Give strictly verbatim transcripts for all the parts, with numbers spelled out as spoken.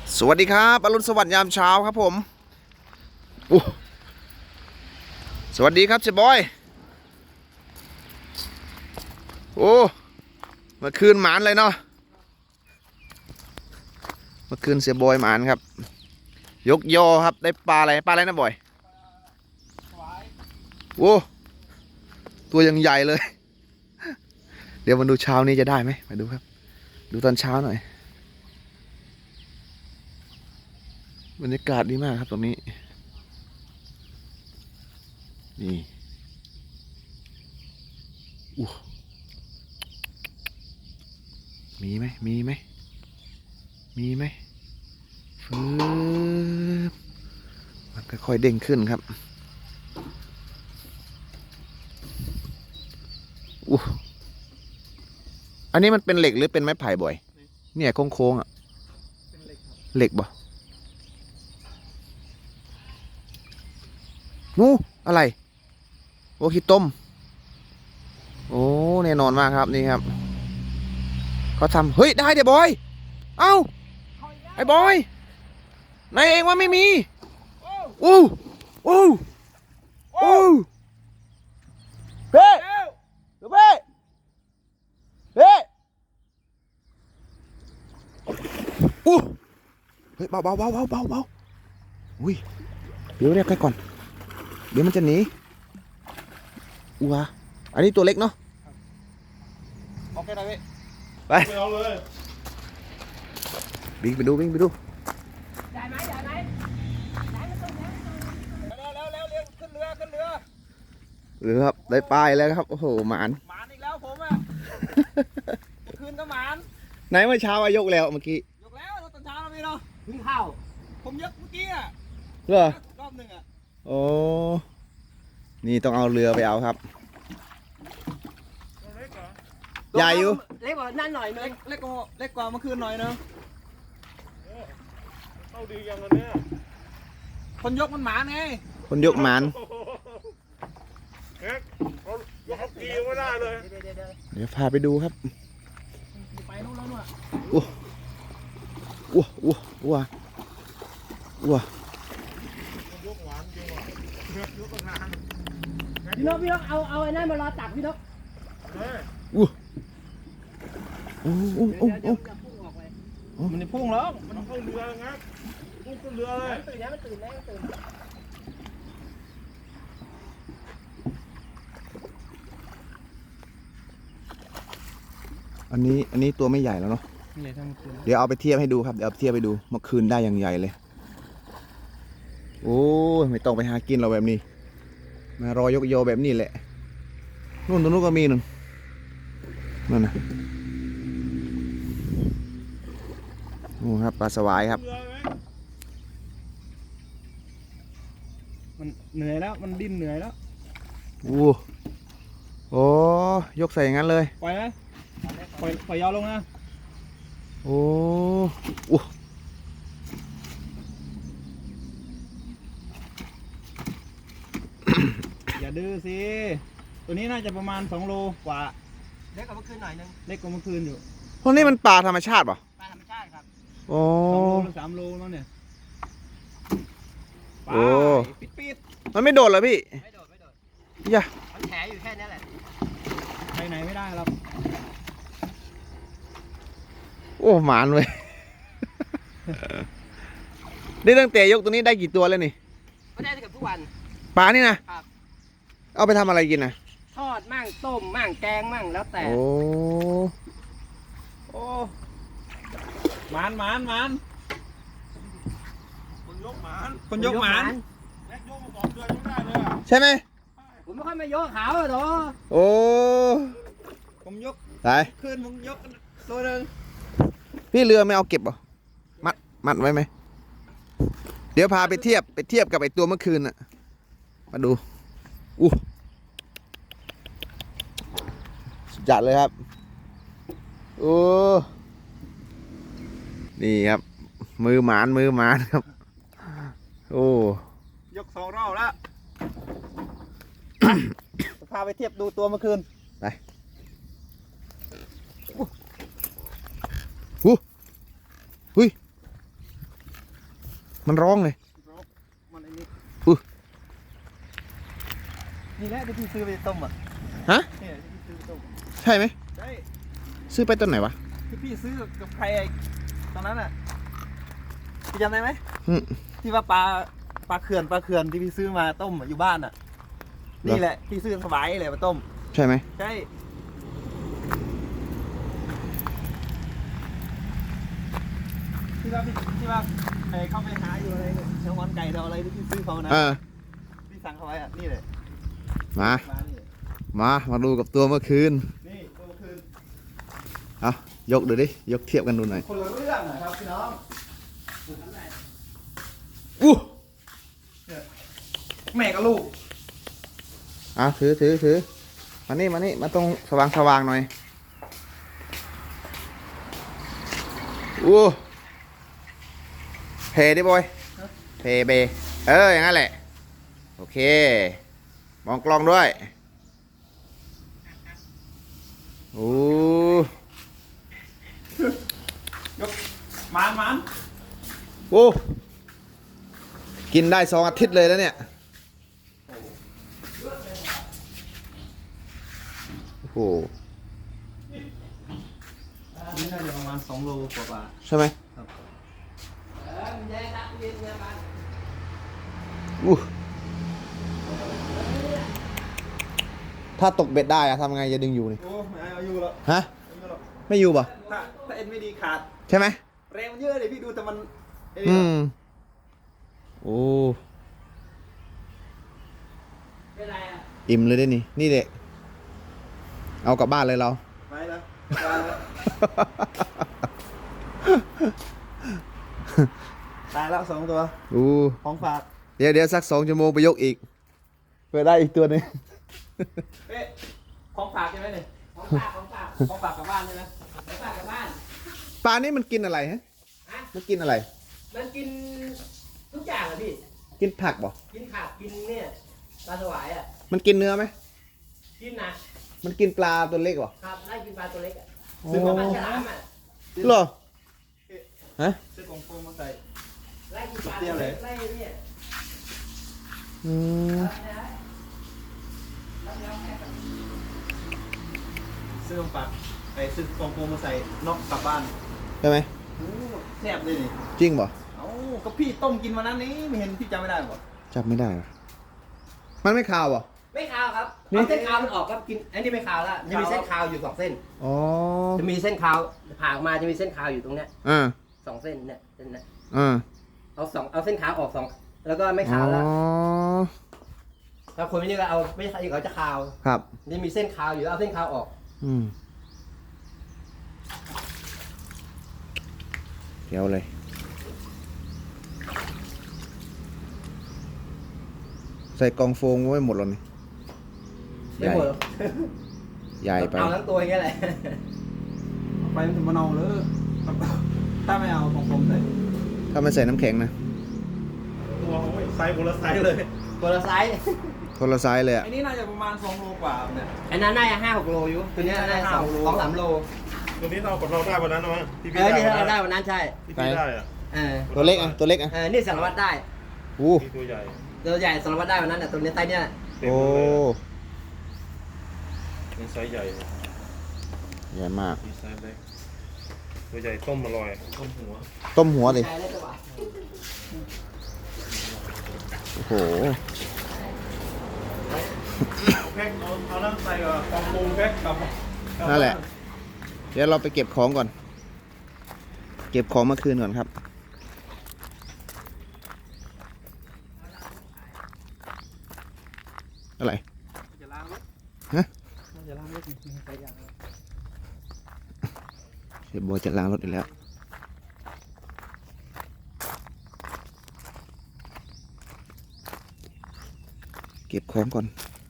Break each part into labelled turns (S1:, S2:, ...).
S1: สวัสดีครับอรุณสวัสดิ์ยามเช้าครับผมอู้สวัสดีครับเจ๊บอยโอ้เมื่อคืนหมานเลยเนาะเมื่อคืนเสียบอยหมานครับยกยอครับได้ปลาอะไรปลาอะไรนะบอยโอ้ตัวยังใหญ่เลยเดี๋ยวมาดูเช้านี้จะได้ไหมมาดูครับดูตอนเช้าหน่อยบรรยากาศดีมากครับตรงนี้นี่อู้มีไหมมีไหมมีไหมฟืบมันค่อยๆเด้งขึ้นครับอู้อันนี้มันเป็นเหล็กหรือเป็นไม้ไผ่บ่อยเนี่ยโค้งๆอ่ะเหล็กบ่นู้อะไรโอคิต้มโอ้แน่นอนมากครับนี่ครับเขาทำเฮ้ยได้เดี๋ยวบอยเอ้าไอ้บอยนายเองว่าไม่มีอู้อู้อู้เฮ้เฮ้เฮ้เฮ้อู้เฮ้ยเบาเบาเบาเบาเบาเบาอุ้ยเดี๋ยวเรียกใครก่อนเดี๋ยวมันจะหนีอู้วะอันนี้ตัวเล็กเนาะโอเคนะพี่ไปเอาเลยวิ่งไปดูวิ่งไปดูได้ไหมได้ไหมได้ไม่ต้องแล้วแล้วแล้วเร็วขึ้นเรือขึ้นเรือเรือครับได้ป้ายแล้วครับโอ้โหหมานหมานอีกแล้วผมอ่ะคืนก็หมานไหนเมื่อเช้ามายกแล้วเมื่อกี้ยกแล้วตอนเช้าเราไม่เนาะวิ่งเข้าผมยกเมื่อกี้อ่ะเหรอรอบหนึ่งอ่ะโอ้นี่ต้องเอาเรือไปเอาครับใหญ่อยู่
S2: เล็กกว่านั่นหน่อยนึง
S1: เล็กกว่าเล็กกว่าเมื่อคืนหน่อยนึง
S3: เข้าดีอย่างนั้นเนี่ย
S1: คนยกมันหมานไงคนยกหมาน
S3: เอ๊ะเขายกตีไม่ได้เลย
S1: เดี๋ยวพาไปดูครับ
S2: ไปนู่นแล้วนู่น
S1: อ้วอ้วอ้วอ้วอ้วย
S3: กหวานจริงว่ะยกนาน
S2: พี่นกพี่นกเอาเอาไอ้นั่นมารอตักพี่นก
S1: อ้วโอ้โอ้โอ้โอ้
S3: มันจะพุ่งแล้วมันเข้าเรืองับพุ่งขึ้นเรือเลย
S2: ตื่นแล้วมันตื่นแล้วมันตื่น
S1: อันนี้อันนี้ตัวไม่ใหญ่แล้วเนาะเดี๋ยวเอาไปเทียบให้ดูครับเดี๋ยวเอาเทียบไปดูเมื่อคืนได้อย่างใหญ่เลยโอ้ไม่ต้องไปหากินเราแบบนี้มารอยกโยแบบนี้แหละนู่นตรงนู้นก็มีหนึ่งนั่นนะโอ้ครับปลาสวายครับ
S2: มันเหนื่อยแล้วมันดิ้นเหนื่อยแล้ว
S1: โอ้โอ้ยกใส่อย่างนั้นเลย
S2: ปล่อยไหมปล่อยปล่อยยาวลงนะ
S1: โอ้โอ้
S2: อย่าดื้อสิตัวนี้น่าจะประมาณสองโลกว่าเล็กกว่าเมื่อคืนหน่อยนึงเล็กกว่าเมื่อคืนอยู่
S1: พวกนี้มันปลาธรรมชาติป่ะ
S2: ปลาธรรมชาติครับ
S1: โอ้
S2: สองโลหรือสามโลมั้งเนี่ย
S1: โอ้
S2: ปิดปิด
S1: มันไม่โดดเหรอพี่
S2: ไม่โดดไม่โดด
S1: ย่า
S2: มันแฉอยู่แค่นี้แหละไปไหนไม่ได้ครับ
S1: โอ้หมานเลยนี่ตั้งแต่ยกตัวนี้ได้กี่ตัวแล้วนี่
S2: ไม่ได้เกือบทุกวัน
S1: ปลานี่นะครับเอาไปทำอะไรกินนะ
S2: ทอดมั่งต้มมั่งแกงมั่งแล้วแต่
S1: โอ้
S2: โอ้หมานหมานหมาน
S3: คนยกหมาน
S2: คนยกหมาน
S3: แม็กยกมาสองเดือนยังได้เลย
S1: ใช่ไหม
S2: ผมไม่ค่อยมายกขาวเลยหรอ
S1: โอ้
S2: ผมยก
S1: ไป
S2: คืนผมยกตัวหนึ่ง
S1: พี่เรือไม่เอาเก็บหรอมัดมัดไว้ไหมเดี๋ยวพาไปเทียบไปเทียบกับไอตัวเมื่อคืนน่ะมาดูอู้สุดจัดเลยครับโอ้นี่ครับมือหมานมือหมานครับโอ้
S2: ยกสองรอบแล้วพาไปเทียบดูตัวเมื่อคืน
S1: ไปอู้หุ้ยมันร้องเลย
S2: มันไอ้นี่
S1: อุ๊ย
S2: นี่แหละที่พี่ซื้อไปต้มอ่ะ
S1: ฮะ
S2: เนี่ยที่พี่ซื้อไปต้ม
S1: ใช่ไหม
S2: ใช่
S1: ซื้อไปต้นไหนวะ
S2: ที่พี่ซื้อกับใครไอ้ตอนนั้นอ่ะพี่จำได้ไหม
S1: อืม
S2: ที่ว่าปลาปลาเขื่อนปลาเขื่อนที่พี่ซื้อมาต้มอะอยู่บ้านอ่ะ นี่แหละพี่ซื้อสบายเลยมาต้ม
S1: ใช่ไหม
S2: ใช่ที่ว่าพี่ที่ว่าไอ้เข้าไปหาอยู่อะไรเนี่ยเนื้อวันไก่เราอะไรที่พี่ซื้อเขานะ
S1: เออ
S2: พี่สั่งเขาไว้อ่ะนี่เลย
S1: มา
S2: มานี่เลย
S1: มา มาดูกับตัวเมื่อคืน
S2: นี่ตัวคือ
S1: เอายกดูดิ ยกเทียบกันดูหน่อย
S2: คนละเรื่องนะครับพี่น้อง
S1: อู้
S2: แม่กับลูก
S1: อ่ะถือถือถือมานี่มานี่มาตรงสว่างสว่างหน่อยอู้เพดิบอยเพเบเอออย่างนั้นแหละโอเคมองกล้องด้วยโอ้
S2: ยกมานมาน
S1: โอ้กินได้สองอาทิตย์เลยแล้วเนี่ยโอ้โห
S2: นี่น่าจะประมาณสองโลกว่า
S1: ใช่ไหม
S2: ครับ
S1: อู้ถ้าตกเบ็ดได้อะทำไงจะดึงอยู่นี่
S2: โอ้ไม่เอาอยู่แล้ว
S1: ฮะ
S2: ไม่อยู่แล้ว
S1: ไม่อยู่ป่ะ
S2: ถ้าถ้าเอ็นไม่ดีขาด
S1: ใช่ไหม
S2: แรงมันเยอะเลยพี่ดูแต่มันไอ้
S1: อื
S2: นี่
S1: ม โอ้ อิ่มเลยได้นี่ นี่เด็กเอากลับบ้านเลยเรา
S2: ไปแล้วตายแล้วตายแล้วสองตัว
S1: อู้
S2: ของฝาก
S1: เดี๋ยวเดี๋ยวสักสองชั่วโมงไปยกอีก เพื่อได้อีกตัวหนึง
S2: เอ๊ะของฝากใช่ไหมเนี่ย
S4: ของฝากของฝาก
S2: ของฝากกลับบ้านใช่ไหม
S4: ของฝากกลับบ้าน
S1: ปลานี่มันกินอะไรฮะ
S4: ฮะ
S1: มันกินอะไร
S4: มันกินทุกอย่างอะพี่
S1: กินผักบ่
S4: กินขาบกินเนี่ยปลาสวายอ่ะ
S1: มันกินเนื้อไหม
S4: กินนะ
S1: มันกินปลาตัวเล็กบ่
S4: ครับไล่กินปลาตัวเล็กอ่ะ
S1: โอ้
S4: ซื้อมาปลาฉลามอ่ะ
S1: เหรอ ฮะ
S2: ซื้อกล่องโฟมมาใส่
S4: ไล่กินปลาตัวเล็กไล่เนี่ย
S1: อืม
S2: ซื้อกล่องฝากไปซื้อกล่องโฟมมาใส่นอกกลับบ้าน
S1: ใช่ไหม
S2: โอ้แซ่บเลยนี่
S1: จริงบ่
S2: เอ้าก็พี่ต้มกินวันนั้นนี้ไม่เห็นพี่จำไม่ได้หรอ
S1: จับไม่ได้ว่ะมันไม่คาวบ่
S4: ไม่คาวครับ
S1: นี่
S4: เอาเส้นคาวมันออกครับกินอันนี้ไม่คาวแล้วจะมีเส้นคาวอยู่สองเส้น
S1: อ๋อ
S4: จะมีเส้นคาวผ่าออกมาจะมีเส้นคาวอยู่ตรงเนี้ย
S1: อ่า
S4: สองเส้นเนี่ยเส้นเนี้ย
S1: อ่า
S4: เอาสองเอาเส้นขาวออกสองแล้วก็ไม่
S1: อ๋
S4: คาวแล้ว
S1: อ
S4: ถ้าคนไม่นี่ก็เอาไม่คาวอีกเขาจะคาว
S1: ครับ
S4: จะมีเส้นคาวอยู่เอาเส้นคาวออก
S1: อืมเดี๋ยวเลย ใส่กล่องโฟมไว้หมดแล้วนี่
S4: ไม่หมดหรอก
S1: ใหญ่ไป
S4: เอาทั้งตัวอย่างเงี้ยแหละ
S2: เอาไปมันถึงมะนาวเลยถ้าไม่เอากล่องโฟมใส่
S1: ถ้าไม่ใส่น้ำแข็งนะ
S3: ตัวเขาไม่ไซส์คนละไซส์เลย
S4: ตัวละไซส์
S1: คนละไซส์เลยอ่ะ
S2: ไอ้นี่น่าจะประมาณสองโลกว่าเนี่ย
S4: อันนั้นน่าจะห้าหกโลอยู่ตัวเนี้ยน่าจะสองสองสามโล
S3: ตัวนี้เรากับเราได้วันนั้นนะมั้งที่
S4: เอ
S3: พี่
S4: อ
S3: ได้
S4: นี่
S3: วัน
S4: ถ้าเราได้
S3: นั้น
S4: วันนั้นใช่
S3: ที่พี่ได้อะ
S4: เออ
S1: ตัวเล็กอ่ะ ตัวเล็กอ่ะ
S4: เออนี่สารวัตรได้
S1: อู้
S3: มีตัวใหญ่
S4: ตัวใหญ่สารวัตรได้วันนั้นแต่ตัวนี้ไซส์เนี้ย
S3: เต็ม
S1: โอ้
S3: เลยนี่ไซส์ใหญ่
S1: ใหญ่มาก
S3: มีไซส์เล็กตัวใหญ่ต้มอร่อยต้มหัว
S1: ต้มหัวดิ
S4: ใช่ได้ตัว
S1: โอ้โห
S2: แพ็คเอาเอาน้ำใส่กับกล่องโฟมแพ็คกับ
S1: นั่นแหละ เดี๋ยวเราไปเก็บของก่อน เก็บของเมื่อคืนก่อนครับ อะไร
S2: จะล้างรถ
S1: ฮะ
S2: จะล้างรถใส่ยาง
S1: เชฟบอยจะล้างรถอีกแล้ว เก็บของก่อน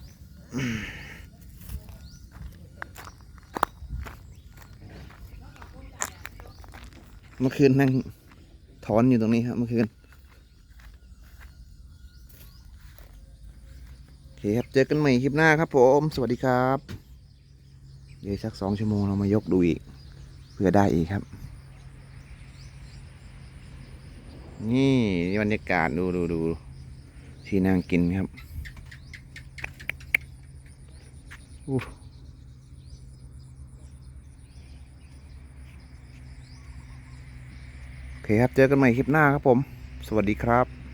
S1: เมื่อคืนนั่งถอนอยู่ตรงนี้ครับเมื่อคืน โอเคครับ เจอกันใหม่คลิปหน้าครับผม สวัสดีครับ เดี๋ยวสักสองชั่วโมงเรามายกดูอีก เพื่อได้อีกครับนี่บรรยากาศดูดูดูที่นั่งกินครับอู้โอเคครับ เจอกันใหม่คลิปหน้าครับผม สวัสดีครับ